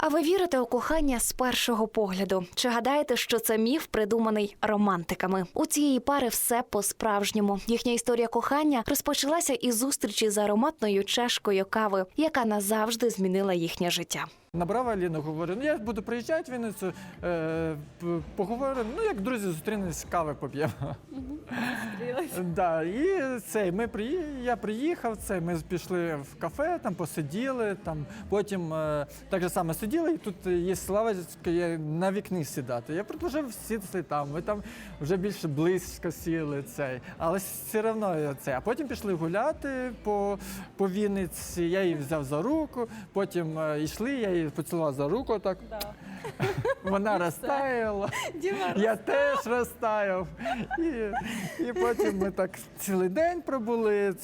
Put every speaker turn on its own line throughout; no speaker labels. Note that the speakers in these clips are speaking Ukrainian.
А ви вірите у кохання з першого погляду? Чи гадаєте, що це міф, придуманий романтиками? У цієї пари все по-справжньому. Їхня історія кохання розпочалася із зустрічі з ароматною чашкою кави, яка назавжди змінила їхнє життя.
Набрав Аліну, говорю, я буду приїжджати в Вінницю, поговоримо, як друзі зустрінемось, кави поп'ємо. Да, і я приїхав, ми пішли в кафе, там посиділи, потім так же само сиділи, і тут є лавочка, на вікні сідати. Я продовжив сідати там, ми там вже більше близько сіли, але все одно А потім пішли гуляти по Вінниці, я її взяв за руку, потім йшли, я її поцілував за руку так. Да. Вона розтаяла, я теж розтаяв. І потім ми так цілий день пробули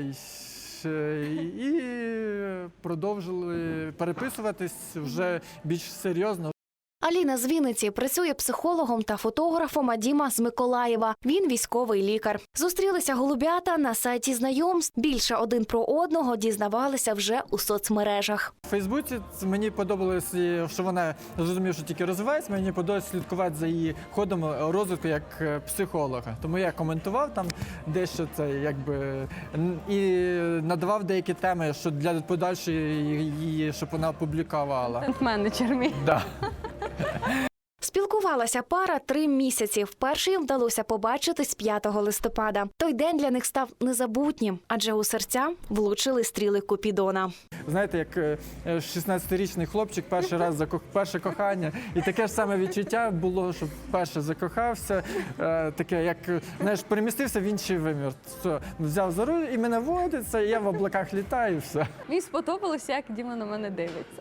і продовжили переписуватись вже більш серйозно.
Аліна з Вінниці працює психологом та фотографом, а Діма з Миколаєва. Він військовий лікар. Зустрілися голубята на сайті знайомств. Більше один про одного дізнавалися вже у соцмережах.
У Фейсбуці мені подобалось, що вона, зрозумів, що тільки розвивається, мені подобалось слідкувати за її ходом розвитку як психолога. Тому я коментував там дещо і надавав деякі теми, що для подальшої її, щоб вона опублікувала.
Контент-менеджер мій.
Да.
Спілкувалася пара 3 місяці. Вперше їм вдалося побачитись 5 листопада. Той день для них став незабутнім, адже у серця влучили стріли Купідона.
Знаєте, як 16-річний хлопчик перший раз перше кохання. І таке ж саме відчуття було, що перше закохався. Таке, як, перемістився в інший вимір. Взяв за руль і мене водиться, і я в облаках літаю, і все.
Мені сподобалося, як Діма на мене дивиться.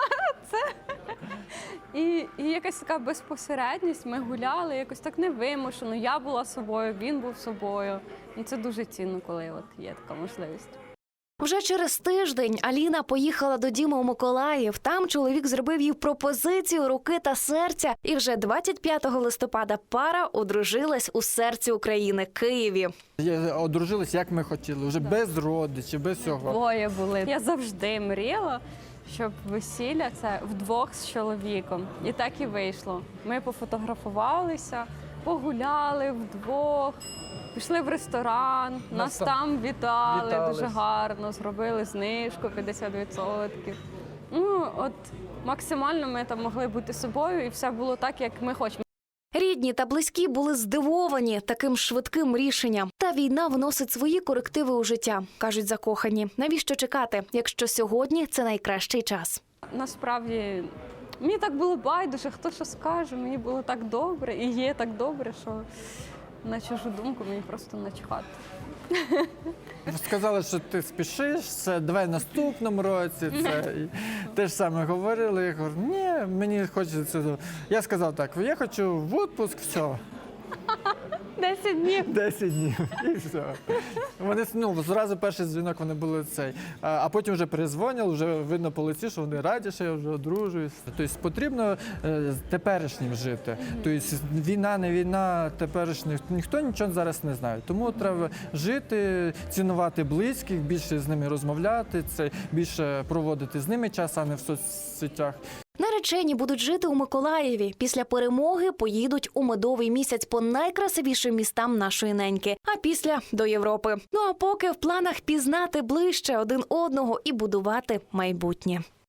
І якась така безпосередність, ми гуляли, якось так невимушено. Я була собою, він був собою. Це дуже цінно, коли є така можливість.
Вже через тиждень Аліна поїхала до Діми у Миколаїв. Там чоловік зробив їй пропозицію руки та серця. І вже 25 листопада пара одружилась у серці України – Києві.
Одружились, як ми хотіли, вже без родичів, без всього.
Двоє були. Я завжди мріяла, щоб весілля – це вдвох з чоловіком. І так і вийшло. Ми пофотографувалися, погуляли вдвох, пішли в ресторан, нас там вітали дуже гарно, зробили знижку 50%. Максимально ми там могли бути собою, і все було так, як ми хочемо.
Рідні та близькі були здивовані таким швидким рішенням. Та війна вносить свої корективи у життя, кажуть закохані. Навіщо чекати, якщо сьогодні це найкращий час?
Насправді, мені так було байдуже, хто що скаже, мені було так добре і є так добре, що на чужу думку мені просто начхати.
Сказали, що ти спішиш, давай в наступному році. Те ж саме говорили. Я говорю, ні, мені хочеться. Я сказав так, я хочу в відпуск, все.
10 днів.
10 днів, і все. Вони, зразу перший дзвінок вони були а потім вже перезвонили, вже видно по лиці, що вони раді, що я вже одружуюсь. Тобто потрібно теперішнім жити. Тобто війна, не війна, теперішніх, ніхто нічого зараз не знає. Тому треба жити, цінувати близьких, більше з ними розмовляти, більше проводити з ними час, а не в соцсетях.
Наречені будуть жити у Миколаєві. Після перемоги поїдуть у медовий місяць по найкрасивішим містам нашої неньки, а після – до Європи. А поки в планах пізнати ближче один одного і будувати майбутнє.